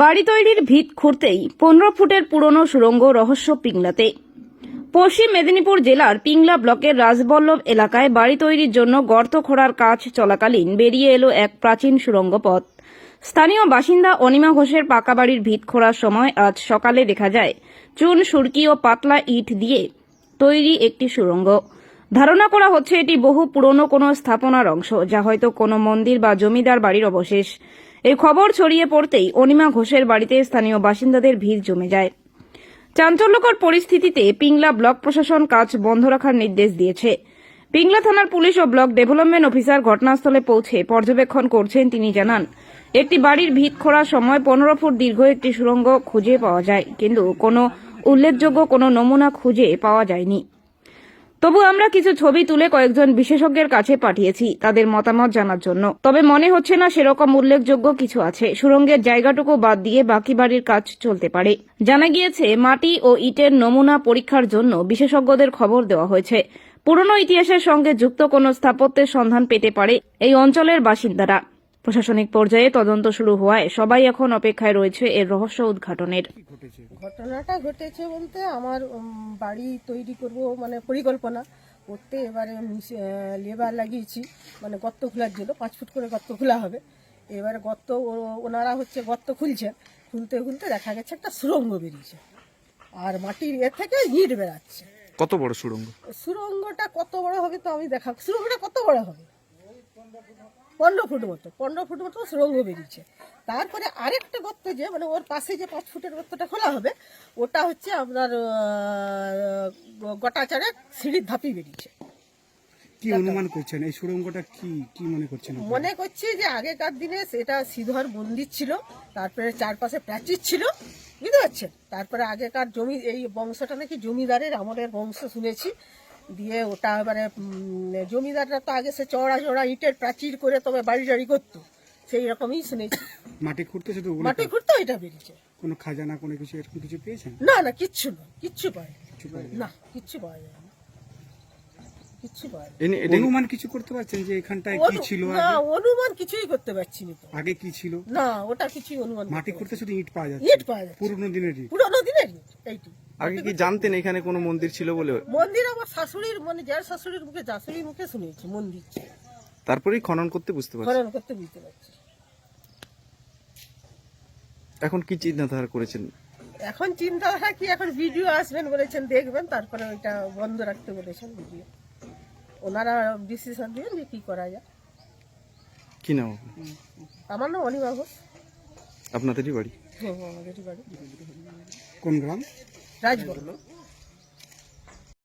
বাড়ি তৈরির ভিত খুঁড়তেই 15 ফুটের পুরনো সুড়ঙ্গ রহস্য পিংলাতে। পশ্চিম মেদিনীপুর জেলার পিংলা ব্লকের রাজবল্লভ এলাকায় বাড়ি তৈরির জন্য গর্ত খোঁড়ার কাজ চলাকালীন বেরিয়ে এলো এক প্রাচীন সুড়ঙ্গ পথ। স্থানীয় বাসিন্দা অনিমা ঘোষের পাকা বাড়ির ভিত খোঁড়ার সময় আজ সকালে দেখা যায় চুন সুরকি ও পাতলা ইট দিয়ে তৈরি একটি সুড়ঙ্গ। ধারণা করা হচ্ছে এটি বহু পুরনো কোনো স্থাপনার অংশ, যা হয়তো কোনো মন্দির বা জমিদার বাড়ির অবশেষ। এই খবর ছড়িয়ে পড়তেই অনিমা ঘোষের বাড়িতে স্থানীয় বাসিন্দাদের ভিড় জমে যায়। চাঞ্চল্যকর পরিস্থিতিতে পিংলা ব্লক প্রশাসন কাজ বন্ধ রাখার নির্দেশ দিয়েছে। পিংলা থানার পুলিশ ও ব্লক ডেভেলপমেন্ট অফিসার ঘটনাস্থলে পৌঁছে পর্যবেক্ষণ করছেন। তিনি জানান, একটি বাড়ির ভিত খোঁড়ার সময় 15 ফুট দীর্ঘ একটি সুড়ঙ্গ খুঁজে পাওয়া যায়, কিন্তু কোনো উল্লেখযোগ্য কোনো নমুনা খুঁজে পাওয়া যায়নি। তবু আমরা কিছু ছবি তুলে কয়েকজন বিশেষজ্ঞের কাছে পাঠিয়েছি তাদের মতামত জানার জন্য। তবে মনে হচ্ছে না সেরকম উল্লেখযোগ্য কিছু আছে। সুড়ঙ্গের জায়গাটুকু বাদ দিয়ে বাকি বাড়ির কাজ চলতে পারে। জানা গিয়েছে, মাটি ও ইটের নমুনা পরীক্ষার জন্য বিশেষজ্ঞদের খবর দেওয়া হয়েছে। পুরনো ইতিহাসের সঙ্গে যুক্ত কোনো স্থাপত্যের সন্ধান পেতে পারে এই অঞ্চলের বাসিন্দারা। প্রশাসনিক পর্যায়ে তদন্ত শুরু হওয়ায় সবাই এখন অপেক্ষায় রয়েছে এর রহস্য উদ্ঘাটনের। ঘটনাটা ঘটেছে বলতে আমার বাড়ি তৈরি করব মানে পরিকল্পনা করতে এবারে লেবার লাগিয়েছি, মানে গর্ত খোলার জন্য 5 ফুট করে গর্ত খোলা হবে। এবারে গর্ত ওনারা গর্ত খুলতে খুলতে দেখা গেছে একটা সুড়ঙ্গ বেরিয়েছে, আর মাটির থেকে ইট বেরাচ্ছে। কত বড় সুড়ঙ্গ? সুড়ঙ্গটা কত বড় হবে তো আমি দেখাবো। সুড়ঙ্গটা কত বড় হবে? 15 ফুট মতো সুড়ঙ্গ বেরিয়েছে। তারপরে আরেকটা গর্ত মানে ওর পাশে যে 5 ফুটের গর্তটা খোলা হবে, ওটা হচ্ছে আপনার গোটা চারে সিঁড়ির ধাপি বেরিয়েছে। কি অনুমান করছেন এই সুড়ঙ্গটা কি মনে করছেন? মনে করছি যে আগেকার দিনে সেটা শ্রীধর মন্দির ছিল, তারপরে চারপাশে প্রাচীর ছিল, বুঝতে পারছেন। তারপরে আগেকার জমি, এই বংশটা নাকি জমিদারের আমলের বংশ শুনেছি। দিয়ে ওটা এবারে জমিদাররা তো আগে সে চড়া ইটের প্রাচীর করে তবে বাড়ি টাড়ি করতো, সেই রকমই শুনেছি। মাটি খুঁড়তে শুধু মাটি খুঁড়তে এটা বেরিয়েছে। কোনো খাজানা কোনো কিছু এরকম কিছু পেয়েছেন? না, কিচ্ছু না, কিচ্ছু পায় না, কিচ্ছু পাওয়া যায় না, কিচ্ছু পায় না। অনুমান কিছু করতে পারছেন যে এখানটায় কি ছিল? না, অনুমান কিছুই করতে পারছি না তো। আগে কি ছিল? না, ওটা কিছুই অনুমান। মাটি খুঁড়তে শুধু ইট পাওয়া যাচ্ছে। ইট পাওয়া যাচ্ছে, পুরনো দিনের ইট। ইট এইটি। আগে কি জানতেন এখানে কোনো মন্দির ছিল বলে? মন্দির আমার শাশুড়ির যার শাশুড়ির মুখে শাশুড়ির মুখে শুনেছি মন্দির ছিল। তারপরেই খনন করতে বুঝতে পারছি। খনন করতে বুঝতে পারছি। এখন কি চিন্তাধারা করেছেন? এখন চিন্তাধারা কি, এখন ভিডিও আসবেন বলেছেন, দেখবেন, তারপরে ওইটা বন্ধ রাখতে বলেছেন ভিডিও। ওনারা ডিসিশন দিবেন যে কি করা যায়। কি নাম? আমার নাম অনিমা ঘোষ। আপনাদেরই বাড়ি? হ্যাঁ, আমাদেরই বাড়ি। কোন গ্রাম? রাজবল্লভ।